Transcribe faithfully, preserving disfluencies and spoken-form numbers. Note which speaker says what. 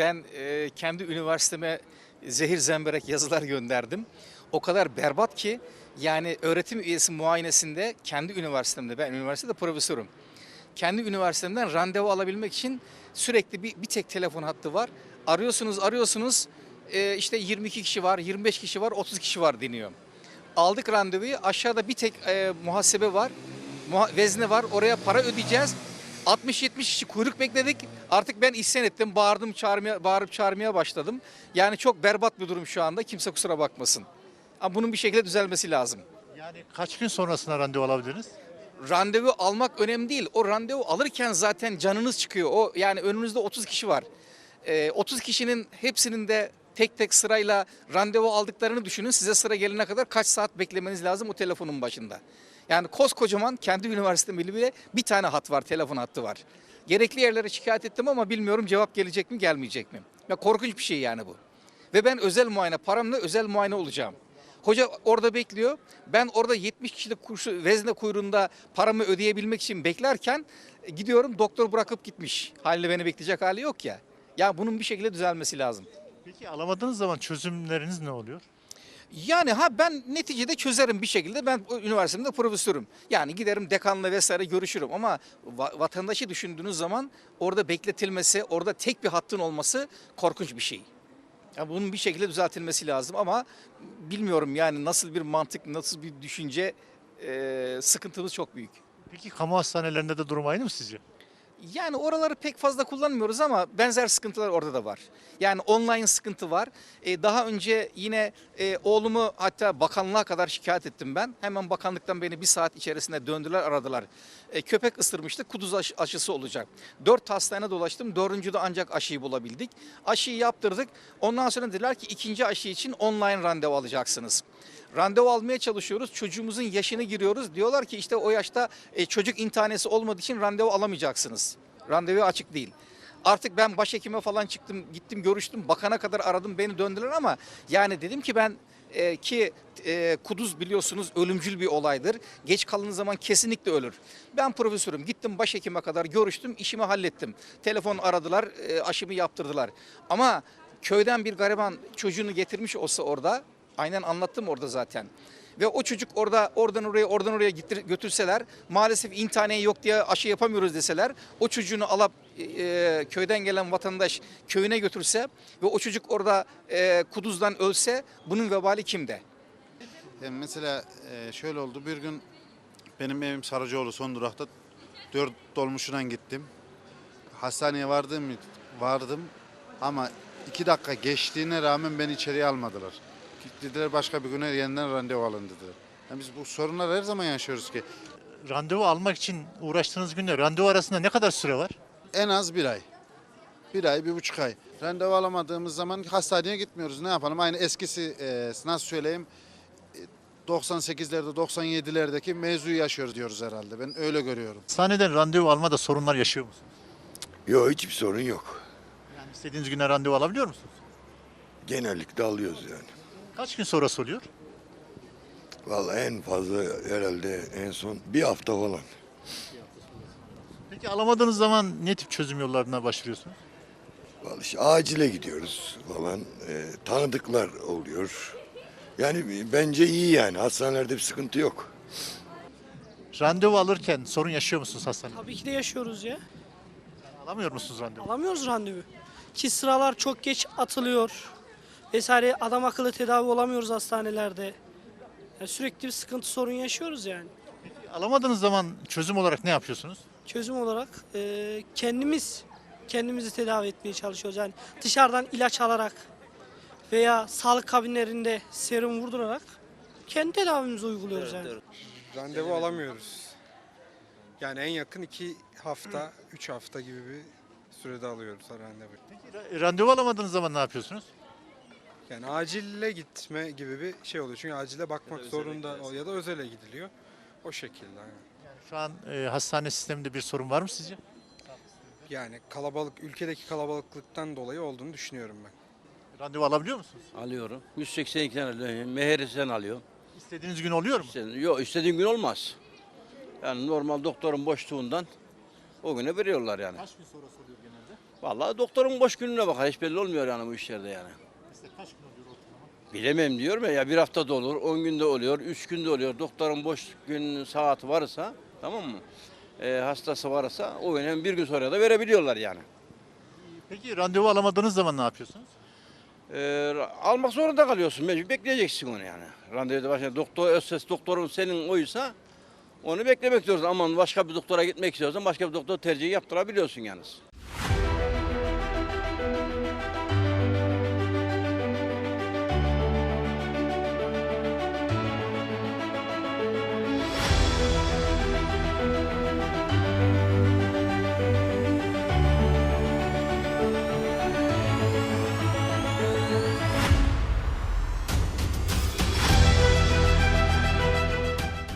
Speaker 1: Ben e, kendi üniversiteme zehir zemberek yazılar gönderdim. O kadar berbat ki yani öğretim üyesi muayenesinde kendi üniversitemde, ben üniversitede profesörüm. Kendi üniversitemden randevu alabilmek için sürekli bir, bir tek telefon hattı var. Arıyorsunuz arıyorsunuz e, işte yirmi iki kişi var, yirmi beş kişi var, otuz kişi var deniyor. Aldık randevuyu, aşağıda bir tek e, muhasebe var, muha- vezne var, oraya para ödeyeceğiz. altmış yetmiş kişi kuyruk bekledik. Artık ben isyan ettim, bağırdım, çağırmaya, bağırıp çağırmaya başladım. Yani çok berbat bir durum şu anda, kimse kusura bakmasın. Ama bunun bir şekilde düzelmesi lazım.
Speaker 2: Yani kaç gün sonrasına randevu alabiliriz?
Speaker 1: Randevu almak önemli değil. O randevu alırken zaten canınız çıkıyor. O yani önünüzde otuz kişi var. Ee, otuz kişinin hepsinin de tek tek sırayla randevu aldıklarını düşünün. Size sıra gelene kadar kaç saat beklemeniz lazım o telefonun başında. Yani koskocaman kendi üniversitemde bile bir tane hat var, telefon hattı var. Gerekli yerlere şikayet ettim ama bilmiyorum cevap gelecek mi, gelmeyecek mi? Ya korkunç bir şey yani bu. Ve ben özel muayene, paramla özel muayene olacağım. Hoca orada bekliyor. Ben orada yetmiş kişilik kurşu, vezne kuyruğunda paramı ödeyebilmek için beklerken e, gidiyorum, doktor bırakıp gitmiş. Haliyle beni bekleyecek hali yok ya. Ya bunun bir şekilde düzelmesi lazım.
Speaker 2: Peki alamadığınız zaman çözümleriniz ne oluyor?
Speaker 1: Yani ha ben neticede çözerim bir şekilde. Ben o üniversitemde profesörüm. Yani giderim dekanla vesaire görüşürüm ama va- vatandaşı düşündüğünüz zaman orada bekletilmesi, orada tek bir hattın olması korkunç bir şey. Ya bunun bir şekilde düzeltilmesi lazım ama bilmiyorum yani nasıl bir mantık, nasıl bir düşünce, e, sıkıntımız çok büyük.
Speaker 2: Peki kamu hastanelerinde de durum aynı mı sizce?
Speaker 1: Yani oraları pek fazla kullanmıyoruz ama benzer sıkıntılar orada da var. Yani online sıkıntı var. Ee, daha önce yine e, oğlumu hatta bakanlığa kadar şikayet ettim ben. Hemen bakanlıktan beni bir saat içerisinde döndüler aradılar. E, köpek ısırmıştı, kuduz aşı- aşısı olacak. Dört hastane dolaştım, dördüncüde ancak aşıyı bulabildik. Aşıyı yaptırdık. Ondan sonra dediler ki ikinci aşı için online randevu alacaksınız. Randevu almaya çalışıyoruz. Çocuğumuzun yaşını giriyoruz. Diyorlar ki işte o yaşta e, çocuk intihanesi olmadığı için randevu alamayacaksınız. Randevu açık değil. Artık ben başhekime falan çıktım, gittim görüştüm. Bakana kadar aradım, beni döndüler ama yani dedim ki ben e, ki e, kuduz biliyorsunuz ölümcül bir olaydır. Geç kalındığı zaman kesinlikle ölür. Ben profesörüm. Gittim başhekime kadar görüştüm, işimi hallettim. Telefon aradılar, e, aşımı yaptırdılar. Ama köyden bir gariban çocuğunu getirmiş olsa orada, aynen anlattım orada zaten. Ve o çocuk orada oradan oraya oradan oraya getir, götürseler maalesef intihane yok diye aşı yapamıyoruz deseler o çocuğunu alıp e, köyden gelen vatandaş köyüne götürse ve o çocuk orada e, kuduzdan ölse bunun vebali kimde?
Speaker 3: Yani mesela e, şöyle oldu. Bir gün benim evim Sarıcıoğlu son durakta dört dolmuşuna gittim. Hastaneye vardım vardım ama iki dakika geçtiğine rağmen beni içeriye almadılar. Dediler başka bir güne yeniden randevu alın dediler. Yani biz bu sorunlar her zaman yaşıyoruz ki.
Speaker 2: Randevu almak için uğraştığınız günde randevu arasında ne kadar süre var?
Speaker 3: En az bir ay. Bir ay, bir buçuk ay. Randevu alamadığımız zaman hastaneye gitmiyoruz. Ne yapalım? Aynı eskisi e, nasıl söyleyeyim e, doksan sekizlerde, doksan yedilerdeki mevzuyu yaşıyoruz diyoruz herhalde. Ben öyle görüyorum.
Speaker 2: Hastaneden randevu almada sorunlar yaşıyor musunuz?
Speaker 4: Yok hiçbir sorun yok.
Speaker 2: Yani istediğiniz güne randevu alabiliyor musunuz?
Speaker 4: Genellikle alıyoruz yani.
Speaker 2: Kaç gün sonrası oluyor?
Speaker 4: Vallahi en fazla herhalde en son bir hafta falan.
Speaker 2: Peki alamadığınız zaman ne tip çözüm yollarına başvuruyorsunuz?
Speaker 4: Vallahi işte acile gidiyoruz falan. Ee, tanıdıklar oluyor. Yani bence iyi yani. Hastanelerde bir sıkıntı yok.
Speaker 2: Randevu alırken sorun yaşıyor musunuz hastanede?
Speaker 5: Tabii ki de yaşıyoruz ya.
Speaker 2: Alamıyor musunuz randevu?
Speaker 5: Alamıyoruz randevu. Ki sıralar çok geç atılıyor. Vesaire adam akıllı tedavi olamıyoruz hastanelerde. Yani sürekli bir sıkıntı sorun yaşıyoruz yani.
Speaker 2: Peki alamadığınız zaman çözüm olarak ne yapıyorsunuz?
Speaker 5: Çözüm olarak e, kendimiz kendimizi tedavi etmeye çalışıyoruz. Yani dışarıdan ilaç alarak veya sağlık kabinlerinde serum vurdurarak kendi tedavimizi uyguluyoruz yani.
Speaker 6: Randevu alamıyoruz. Yani en yakın iki hafta, üç hafta gibi bir sürede alıyoruz randevu.
Speaker 2: Peki ra- randevu alamadığınız zaman ne yapıyorsunuz?
Speaker 6: Yani acile gitme gibi bir şey oluyor. Çünkü acile bakmak zorunda o- ya da özele gidiliyor. O şekilde. Yani.
Speaker 2: Yani şu an e, hastane sisteminde bir sorun var mı sizce?
Speaker 6: Yani kalabalık, ülkedeki kalabalıklıktan dolayı olduğunu düşünüyorum ben.
Speaker 2: Randevu alabiliyor musunuz?
Speaker 7: Alıyorum. yüz seksen ikiden alıyorum. Meheristen alıyorum.
Speaker 2: İstediğiniz gün oluyor mu?
Speaker 7: İstediğin, yok istediğin gün olmaz. Yani normal doktorun boşluğundan o güne veriyorlar yani.
Speaker 2: Kaç gün sonrası oluyor genelde?
Speaker 7: Vallahi doktorun boş gününe bakar. Hiç belli olmuyor yani bu işlerde yani.
Speaker 2: Mesela kaç gün oluyor ortalama?
Speaker 7: Bilemem diyorum ya, ya bir haftada olur, on günde oluyor, üç günde oluyor. Doktorun boş gün saati varsa, tamam mı? E, hastası varsa o gün bir gün sonra da verebiliyorlar yani.
Speaker 2: Peki randevu alamadığınız zaman ne yapıyorsunuz?
Speaker 7: E, almak zorunda kalıyorsun, mecbur bekleyeceksin onu yani. Randevuda başka doktor, öz ses doktorun senin oysa onu beklemek zorundasın. Ama başka bir doktora gitmek istiyorsan başka bir doktor tercihi yaptırabiliyorsun yalnız.